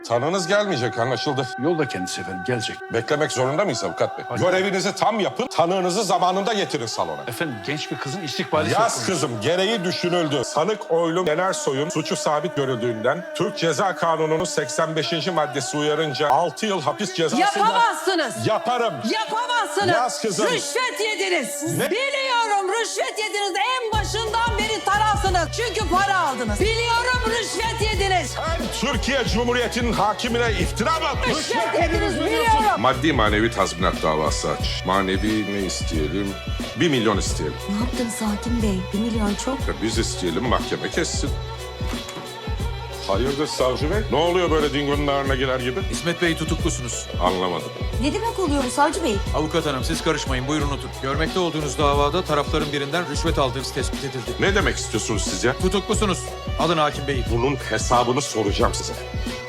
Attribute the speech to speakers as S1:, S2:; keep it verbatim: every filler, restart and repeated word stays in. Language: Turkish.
S1: Tanığınız gelmeyecek, anlaşıldı.
S2: Yolda kendisi efendim, gelecek.
S1: Beklemek zorunda mıyız avukat bey?
S2: Hayır.
S1: Görevinizi tam yapın, tanığınızı zamanında getirin salona.
S2: Efendim genç bir kızın istikbali söz
S1: Yaz
S2: konusu.
S1: kızım, gereği düşünüldü. Sanık Oylum Yenersoy'un suçu sabit görüldüğünden Türk Ceza Kanunu'nun seksen beşinci maddesi uyarınca altı yıl hapis cezası...
S3: Yapamazsınız.
S1: Yaparım.
S3: Yapamazsınız.
S1: Yaz kızım.
S3: Rüşvet yediniz.
S1: Ne?
S3: Biliyorum rüşvet yediniz. En başından beri tarafsınız. Çünkü para aldınız. Biliyorum rüşvet yediniz.
S1: Sen Türkiye Cumhuriyeti'nin hakimine iftira mı atıyorsun?
S3: Rüşvet yediniz biliyorum.
S1: Maddi manevi tazminat davası aç. Manevi ne isteyelim? Bir milyon isteyelim.
S4: Ne yaptınız hakim bey? Bir milyon çok.
S1: Ya biz isteyelim, mahkeme kessin. Hayırdır savcı bey? Ne oluyor böyle dingonun ağrına girer gibi?
S5: İsmet Bey tutuklusunuz.
S1: Anlamadım.
S4: Ne demek oluyor bu savcı bey?
S5: Avukat hanım siz karışmayın, buyurun oturun. Görmekte olduğunuz davada tarafların birinden rüşvet aldığınız tespit edildi.
S1: Ne demek istiyorsunuz siz ya?
S5: Tutuklusunuz. Alın hakim beyi.
S1: Bunun hesabını soracağım size.